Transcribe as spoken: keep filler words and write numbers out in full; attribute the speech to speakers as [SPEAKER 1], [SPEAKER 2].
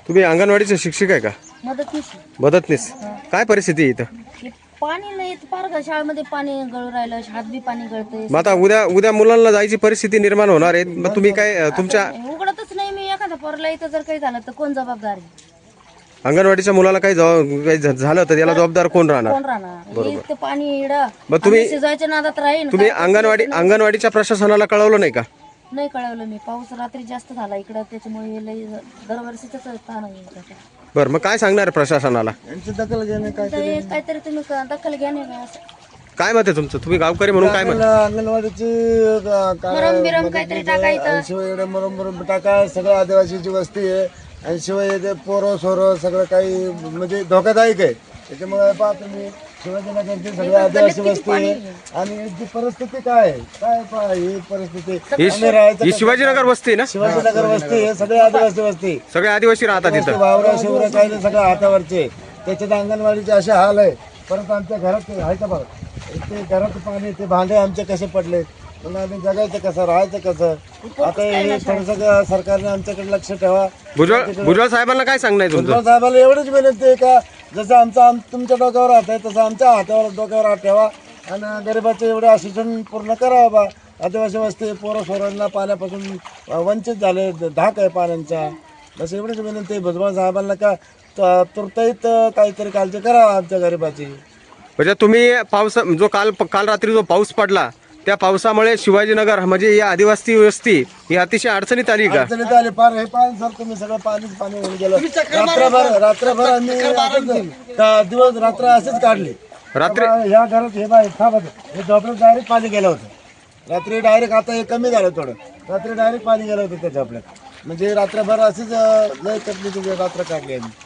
[SPEAKER 1] तुम्ही अंगणवाडीचे शिक्षक आहे का?
[SPEAKER 2] मदतनीस
[SPEAKER 1] मदतनीस. काय परिस्थिती आहे इथं?
[SPEAKER 2] हे पाणी नाही येत, पार का शाळेमध्ये पाणी गळू राहिलं, हात बी पाणी गळतंय.
[SPEAKER 1] मग आता उद्या उद्या मुलांना जायची परिस्थिती निर्माण होणार आहे. मग तुम्ही काय अ, तुमच्या
[SPEAKER 2] उघडतच नाही मी. एखाद्या पोरला इथं जर काही झालं तर कोण जबाबदार आहे?
[SPEAKER 1] अंगणवाडीच्या मुलाला काही जबाब- काही झ- झालं तर याला जबाबदार कोण राहणार?
[SPEAKER 2] कोण राहणार? इथं पाणी इडं
[SPEAKER 1] मग तुम्ही-
[SPEAKER 2] शिजवायच्या नादात राहील.
[SPEAKER 1] तुम्ही अंगणवाडी अंगणवाडीच्या प्रशासनाला कळवलं नाही का?
[SPEAKER 2] नाही कळवलं मी. पाऊस रात्री जास्त झाला इकडं, त्याच्यामुळे हे लई दरवर्षीच ताण आहे.
[SPEAKER 1] बरं, मग काय सांगणार आहे प्रशासनाला?
[SPEAKER 3] यांची दखल घेणे काय
[SPEAKER 2] तर हे काहीतरी तुम्ही क- दखल घ्या नाही का असं.
[SPEAKER 1] काय मत आहे तुमचं? तुम्ही गावकरी म्हणून काय मत?
[SPEAKER 3] अंगणवाडीची
[SPEAKER 2] मरम बिरम काहीतरी टाकायचं.
[SPEAKER 3] आणि शिवाय इकडे मरम मरम टाका. सगळं आदिवासीची वस्ती आहे आणि शिवाय इथे पोरं सोरं सगळं काही म्हणजे धोकादायक आहे. त्याच्यामुळे पहा तुम्ही शिवाजीनगरची सगळी आदिवासी वस्ती आहे आणि याची परिस्थिती काय आहे? काय पहा ही परिस्थिती.
[SPEAKER 1] ही
[SPEAKER 3] आम्ही राहायचं
[SPEAKER 1] ही शिवाजीनगर वस्ती आहे ना?
[SPEAKER 3] शिवाजीनगर वस्ती आहे, सगळी आदिवासी वस्ती.
[SPEAKER 1] सगळे आदिवासी राहतात इथं.
[SPEAKER 3] वावरा शिवरा काही नाही, सगळं हातावरचे. त्याच्यात अंगणवाडीचे असे हाल आहे. परत आमच्या घरात ते आहे का बघा, ते घरात पाणी, ते भांडे आमचे कसे पडले, मग आम्ही जगायचं कसं, राहायचं कसं? आता हे थोडंसं सरकारने आमच्याकडे लक्ष ठेवा.
[SPEAKER 1] भुजबळ भुजबळ साहेबांना काय सांगणार तुमचं?
[SPEAKER 3] भुजबळ साहेबाला एवढंच विनंती आहे का जसं आमचं आम तुमच्या डोक्यावर हात आहे तसं आमच्या हातावर डोक्यावर हात ठेवा आणि गरिबाचं एवढं आश्वासन पूर्ण करावं बा. आदिवासी वस्ती पोरं सोरांना पाण्यापासून वंचित झाले, धाक आहे पाण्याचा. बस एवढंच विनंती आहे भुजबळ साहेबांना का तुर्ताईत काहीतरी काळजी करावा आमच्या गरिबाची.
[SPEAKER 1] म्हणजे तुम्ही पाऊस जो काल काल रात्री जो पाऊस पडला त्या पावसामुळे शिवाजीनगर म्हणजे या आदिवासी वस्ती ही अतिशय अडचणीत आली का?
[SPEAKER 3] अडचणीत आली पार. हे पाणी सर तुम्ही सगळं पाणीच पाणी होऊन गेलं. रात्रभर रात्रभर आम्ही असंच का दिवस रात्र असेच काढले.
[SPEAKER 1] रात्री
[SPEAKER 3] ह्या घरात हे बाय थांबत हे झोपड्यात डायरेक्ट पाणी गेलं होतं. रात्री डायरेक्ट, आता हे कमी झालं थोडं, रात्री डायरेक्ट पाणी गेलं होतं त्या झोपड्यात. म्हणजे रात्रभर असेच लय तकलीफ रात्र काढली आम्ही.